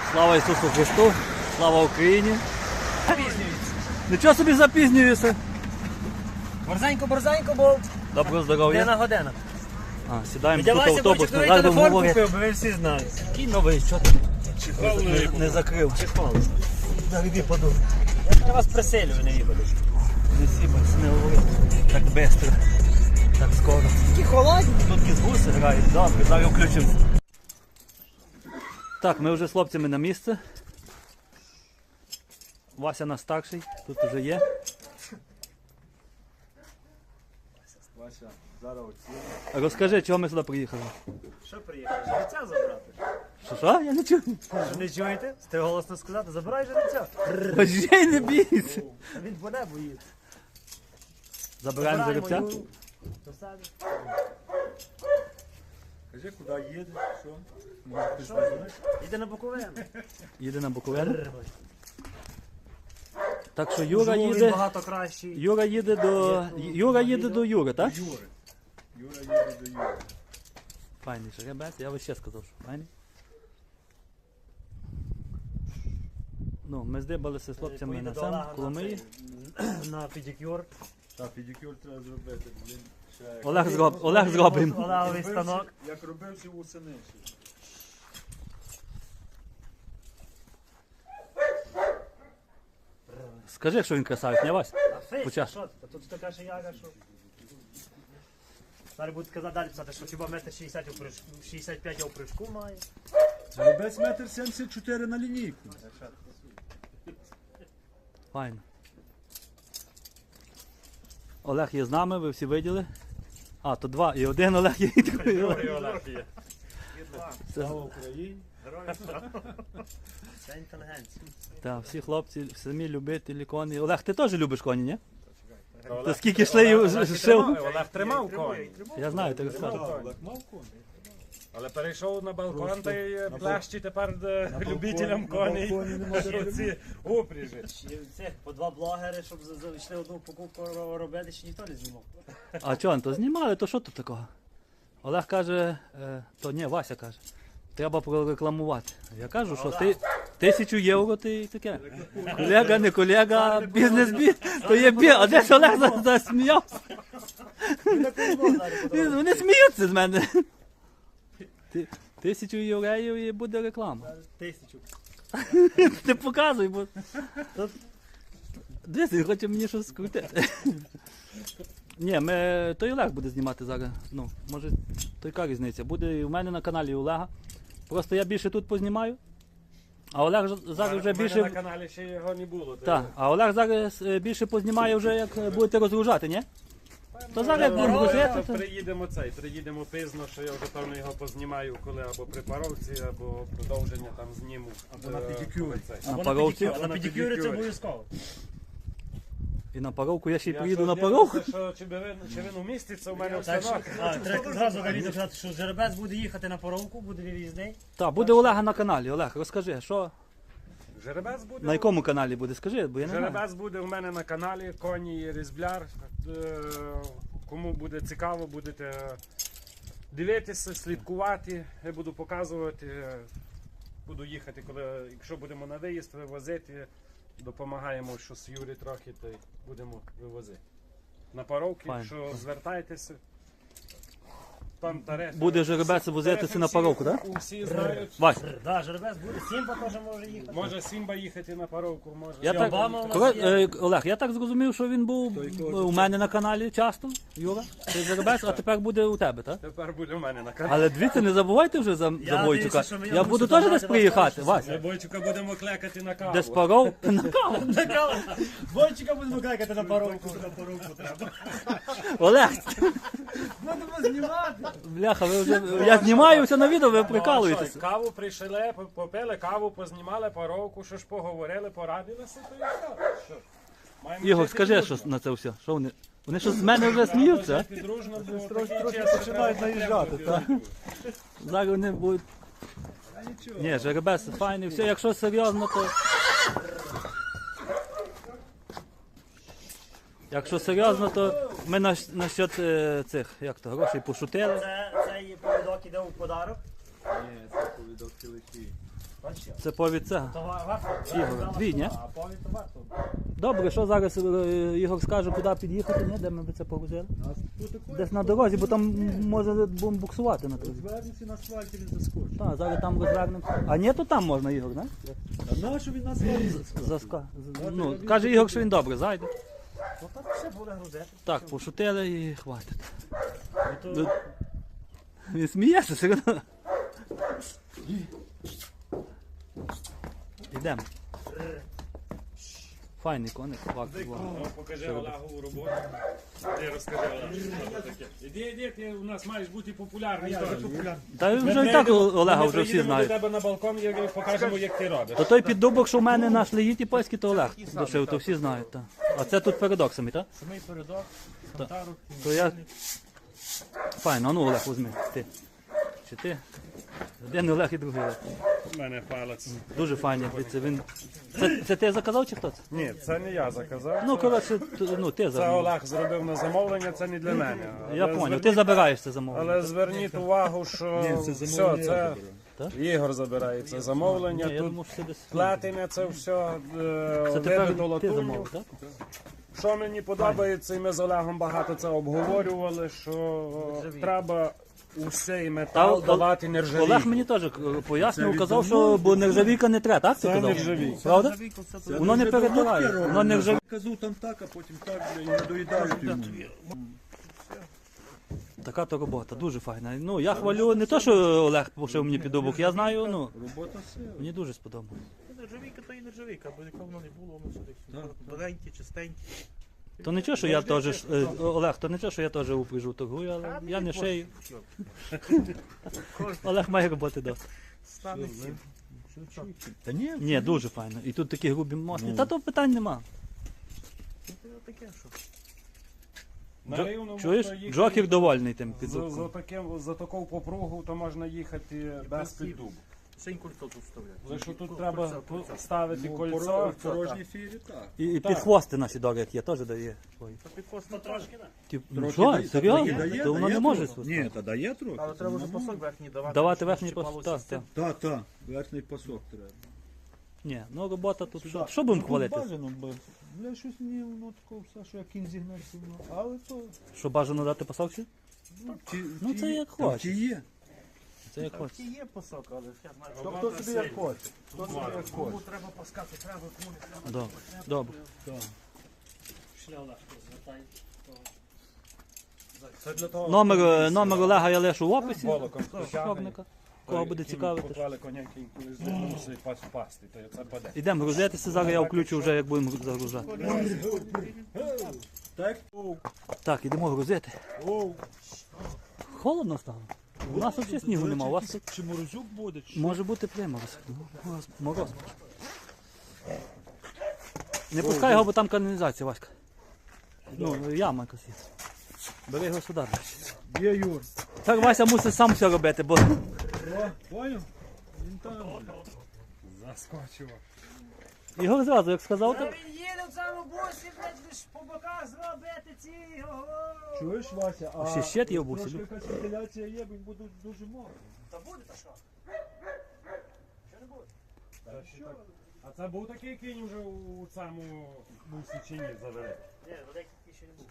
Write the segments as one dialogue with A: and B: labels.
A: Слава Ісусу Христу, слава Україні.
B: Запізнюється.
A: Нічого собі запізнюєшся.
B: Борзенько, бо
A: Доброго здоров'я.
B: година.
A: Сідаємо тут
B: Віддавайся,
A: автобус.
B: бочик, новий
A: Зараз
B: телефон
A: говорять.
B: купив, бо ви всі знають.
A: Який новий, що ти? Не закрив. Зараз іди подумай.
B: Я вас приселюю, не їбаду.
A: Не сібайся, не говори. Так швидко, так скоро.
B: Такі холодні.
A: Тут якісь гуси грають, добре, зараз включимося. Так, ми вже з хлопцями на місце. Вася наш старший, тут вже є.
C: Вася, зараз оці.
A: Розкажи, чого ми сюди приїхали?
B: Що приїхав? Жеребця забрати?
A: Що? Я не чую.
B: Що не чуєте? Ти голосно сказати, забирай жеребця.
A: Божей, не бійся.
B: Він по небу їде.
A: Забираємо жеребця.
B: його до себе.
C: Кажи, куди їде, що?
B: Їде на Буковину.
A: Їде на Буковину. Так що Юра
B: Живу він
A: їде.
B: багато кращий.
A: Юра їде до Юри, так?
C: Юри. Юра їде до Юри.
A: Файний жеребець, я би ще сказав, що файний. Ну, ми здибалися з хлопцями
B: Поїде
A: на
B: до
A: цьому,
B: Олега
A: Коломиї.
B: на педикюр.
C: Так, педикюр треба зробити, блін. Ще як
A: Олег зробить.
B: Олеговий станок.
C: Як робився восени ще.
A: Скажи, що він красавець, не Вась?
B: А фейс,
A: Почав.
B: що ти? Тут така ж яга, що... Зараз будуть казати далі писати, що хіба метр 60 у прыжку, 65 у прыжку має.
C: Жеребець 1,74 м на лінійку.
A: Файно. Олег є з нами, ви всі виділи. А, то два. І один Олег є, і другий Олег.
C: Слава Україні.
B: Це інтелігенція.
A: Так, всі хлопці, самі любителі коні. Олег, ти теж любиш коні, ні? То скільки йшли і шив?
D: Олег тримав конь,
A: Я знаю, ти розказував.
C: Так, Олег мав коні.
D: але перейшов на балкон
C: Просто
D: та й
C: на
D: плещі тепер
C: балконі-
D: любителям
C: на
D: коней.
C: балконі не може робити.
D: Ці упряжі.
B: І цих по два блогери, щоб зайшли одну покупку робити, ще ніхто не знімав.
A: А чого, то знімали, то що тут такого? Олег каже, то ні, Вася каже, треба прорекламувати. Я кажу, що ти 1000 євро ти і таке. Колега, не колега, бізнес, то є А де ж Олег засміявся? Вони сміються з мене. 1000 євреїв і буде реклама.
B: 1000.
A: Ти показуй, бо... Дивись, він хоче мені щось скрутити. Ні, той Олег буде знімати зараз. Ну, може, то яка різниця? Буде і в мене на каналі Олега. Просто я більше тут познімаю. А Олег зараз вже
D: У мене
A: більше.
D: на каналі ще його не було.
A: Так, а Олег зараз більше познімає вже, як будете розгружати, ні? То зараз як будемо грузити, то...
D: Приїдемо пізно, що я вже певно його познімаю, коли або при паровці, або продовження там зніму.
C: Або на педикюрі.
A: На паровці.
B: А на педикюрі це обов'язково.
A: І на паровку я ще й
D: Я
A: приїду
D: що
A: на паровку.
D: дивлюся, що чи він уміститься у мене в
B: Так,
D: станок.
B: треба зразу на відео казати, що жеребець буде їхати на поровку, буде вивізний.
A: Так, буде Олега на каналі. Олег, розкажи, що
D: Жеребець буде.
A: на якому каналі буде, скажи, бо я не знаю.
D: Жеребець буде у мене на каналі, коні різбляр. Кому буде цікаво, будете дивитися, слідкувати. Я буду показувати, буду їхати, якщо будемо на виїзд вивозити, допомагаємо, що з Юрі трохи, то й будемо вивозити. На паровки,
A: Файн.
D: якщо звертайтеся. Там тарифи.
A: Буде жеребець возитися на паровку, так?
D: Усі знають.
A: Вась,
B: Так, жеребець буде, Сімба теж може їхати.
D: Може Сімба їхати на паровку, може.
A: я
B: Чи
A: так,
B: Обама у нас
A: Олег, я так зрозумів, що він був у мене на каналі часто, Юра, цей жеребець, а тепер буде у тебе, так?
D: Тепер буде у мене на каналі.
A: Але дивіться, не забувайте вже за
B: дивлюся,
A: Бойчука.
B: що мені
A: Я
B: мусить
A: буду теж
B: догнати
A: десь
B: вас
A: приїхати,
B: теж.
A: Вась.
D: Ми Бойчука будемо клекати на каву.
A: Десь паров на каву.
B: Бойчика будемо кликати на поровку.
A: Олег,
B: Будемо знімати.
A: бляха, ви вже... Я знімаюся на відео, ви
D: Ну, а
A: прикалуєтесь.
D: що, каву прийшли, попили каву, познімали паровку, що ж поговорили, порадилися, то і що? Маємо
A: Ігор,
D: жити
A: скажи
D: дружно.
A: щось на це все. Що вони? Вони щось з мене вже сміються,
D: Треба
A: а?
D: жити дружно, бо
C: Трохи
D: такі часи
C: починають
D: треба
C: наїжджати,
D: підтримувати.
A: Зараз вони будуть... Ні, жеребець файний, все, якщо серйозно, то... Якщо серйозно, то ми насчет цих, як то, грошей пошутили.
B: Це її повідок іде у подарок.
C: Ні, це повідок телефі.
A: Це повід цього.
B: То варто.
A: Ігор, дві, ні?
B: А повід то варто.
A: Добре, що зараз Ігор скаже, куди під'їхати, ні? Де ми би це погрузили? Десь на дорозі, бо там може будемо буксувати на трохи.
C: Звернеться на асфальті, він заскочить.
A: Так, зараз там розвернемося. А ні, то там можна, Ігор, не?
C: А нащо він на асфальті заскочить?
A: Ну, каже Ігор, що він добре, зайде.
B: Ну так все буде грузити.
A: Так, пошутили і хватить.
B: Ну, то...
A: Він сміється, все одно. Йдемо. Файний коник, варто.
D: Ну, покажи Олегову роботу. Ти розкажи Олегу, що це таке. Іди, ти у нас маєш бути популярний.
A: Та вже і так Олега вже всі
D: Ми
A: знають.
D: до тебе на балкон і покажемо, як ти робиш.
A: То той піддубок, що в мене на шлеїті польський, то Олег дошив, то всі знають. Та. А це тут передок самі, так?
B: Самий передок, Хантару.
A: То я... Файно, а ну Олег, візьми. Ти. Чи ти? Один Олег і другий Олег.
D: У мене палець.
A: Дуже файний. Дивіться, він... Це ти заказав чи хто це?
D: Ні, це не я заказав.
A: Ну, коротше, ну ти
D: Це
A: забираєш.
D: Олег зробив на замовлення, це не для мене.
A: Я
D: Але
A: поняв,
D: зверніть-
A: ти забираєш це замовлення.
D: Але зверніть увагу, що все, це
A: Так?
D: Ігор забирає це замовлення.
A: Ні, я
D: Тут
A: думав, що ти десь...
D: платиня, це все
A: Це тепер
D: вибито
A: ти
D: латунню.
A: замовив, так?
D: Що мені подобається, і ми з Олегом багато це обговорювали, що треба усей метал
A: Та,
D: давати нержавійку.
A: Олег мені теж пояснював, казав, що бо нержавійка не треба, так? Ти
D: Це
A: казав?
D: нержавійка.
A: Правда? Воно не перетирає, воно нержавійка.
C: Казу там так, а потім так, і не доїдають йому.
A: Така то робота, дуже файна. Ну, я хвалю не то, що Олег пошив мені підобок, я знаю, ну,
C: Робота сила.
A: мені дуже сподобалось.
E: Нержавійка то і нержавійка, бо яка воно не було, воно сюди. Новенькі, чистенькі.
A: То нічого, що я теж, Олег, то нічого, що я теж упряжу торгую, але я не шию. Олег має роботи досить.
E: Стане всім.
C: Та ні,
A: Ні, дуже файно. І тут такі грубі мости. Та то питань нема.
E: Це таке, що.
D: На Рівному
A: Чуєш?
D: то їхати
A: Джокер довольний тим
D: за
A: піддубком.
D: таку попругу, то можна їхати без піддубу.
E: Синь кольцо тут вставляють.
D: Лише тут треба ставити
C: в
D: кольцо.
C: порожній фірі так.
A: І підхвости наші добрі, як є, теж дає свої.
E: Та підкос
B: Ну трошки, так.
A: Ну
C: Трохи
A: що,
C: дає-
A: серйозно?
C: дає-
A: То воно
C: дає
A: не може
C: трохи.
A: свистати.
C: Ні, та дає трохи.
E: Але треба вже пасок верхній давати.
A: Давати
E: щоб
A: верхній
E: щіпалося
A: пасок,
E: з цим.
A: так.
C: Так, верхній пасок треба.
A: Ні, ну робота тут, що будемо хвалити?
C: Бажано, бо бля, щось мені воно такого все, що як кінь зігнався, але то...
A: Що бажано дати пасок ще? Ну, це як хочеш.
C: Ті є.
A: Це як
E: Так,
A: хочеш.
E: і є пасок, але ж я знаю,
C: То
E: що
C: хто собі як хоче. Хто собі як
E: кому
C: хоче.
E: треба паскати, треба, кому не треба.
A: Добре, добре.
B: Пішли Олег, звертай.
D: Це для того,
A: Номер Олега я лишу в описі.
D: волоком
A: Шовника. Кого буде цікавити.
D: Поклали коняки, коли мусить пасти, то це паде.
A: Ідемо грузитися, зараз я включу вже, як будемо загружати.
C: Так?
A: Так, ідемо грузити.
C: Оу.
A: Холодно стало. У нас взагалі снігу нема, у вас тут
C: Чи морозюк буде? Чи...
A: може бути примороз. Мороз. Не пускай його, бо там каналізація, Васька. Ну, яма якась є. Бери його сюди.
C: Є, Юр.
A: Так Вася мусить сам все робити, бо
C: О, поняв? Він там.
D: Заскочило.
A: його зразу, як сказав, так.
B: Він їде в цьому бусі, блядь, лиш по боках зробити ці.
C: Чуєш, Вася? А
A: Ще щит є в бусі,
C: трошки
A: Люк.
C: якась вентиляція є, бо він буде дуже мокрий.
B: Та буде, та що? Що не буде?
D: А це був такий кінь вже у цьому бусі чи ні завели?
B: Ні, великий ще не був.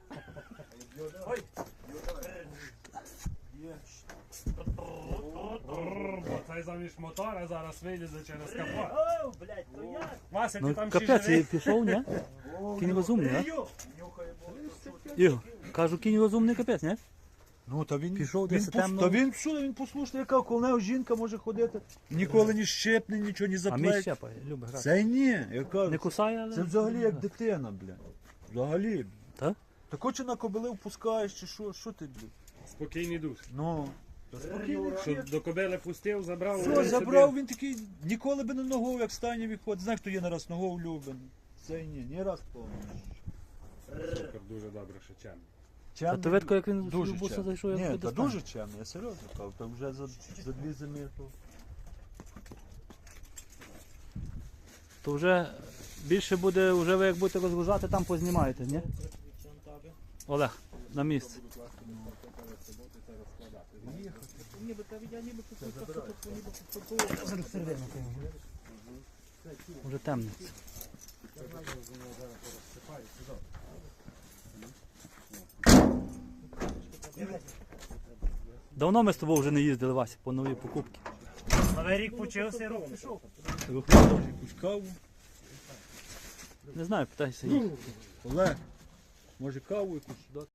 D: Бо цей заміж мотора зараз вилізе через капот.
B: О, блядь, то я.
D: Вася, ти
A: Ну,
D: там ще
A: капець, і
D: живий?
A: пішов, ні? Кінь розумний, а? Ігор, кажу, кінь розумний капець, ні?
C: Ну, та він
A: Пішов
C: він
A: десь
C: пос-
A: темно.
C: Та він всюди, він послушний, яка коло нього жінка може ходити. Ніколи ні щепне, нічого, ні
A: А мій
C: заплеч.
A: щепає, любить грати.
C: Це ні, я кажу.
A: Не кусає, але...
C: Це взагалі як дитина, блядь. Взагалі.
A: Так?
C: Та хоче на кобили впускаєш, чи що ти, блядь?
D: Спокійний душ.
C: Ну. Та спокійно.
D: Що до кобили пустив, забрав.
C: Все,
D: один
C: забрав,
D: собі.
C: він такий, ніколи би не ногою, як стані виходить. Знаєш, хто є нараз ногою люблений. Це ні раз повний.
D: Супер, дуже добре, що чемний.
A: А то видко, як він
C: Дуже
A: в буса
C: чемний.
A: зайшов, як
C: Ні,
A: туди
C: та
A: стане.
C: дуже чемний, я серйозно кажу. Та вже за дві зими.
A: То вже більше буде, вже ви як будете розгружати, там познімаєте, ні? Олег, на місце.
E: ніби, та я ніби тут
B: Зараз середину.
A: Вже темниця. Давно ми з тобою вже не їздили, Вася, по нові покупки.
B: Новий рік почався, рух пішов.
C: Якусь каву.
A: Не знаю, питайся їх.
C: Олег, може каву якусь дати?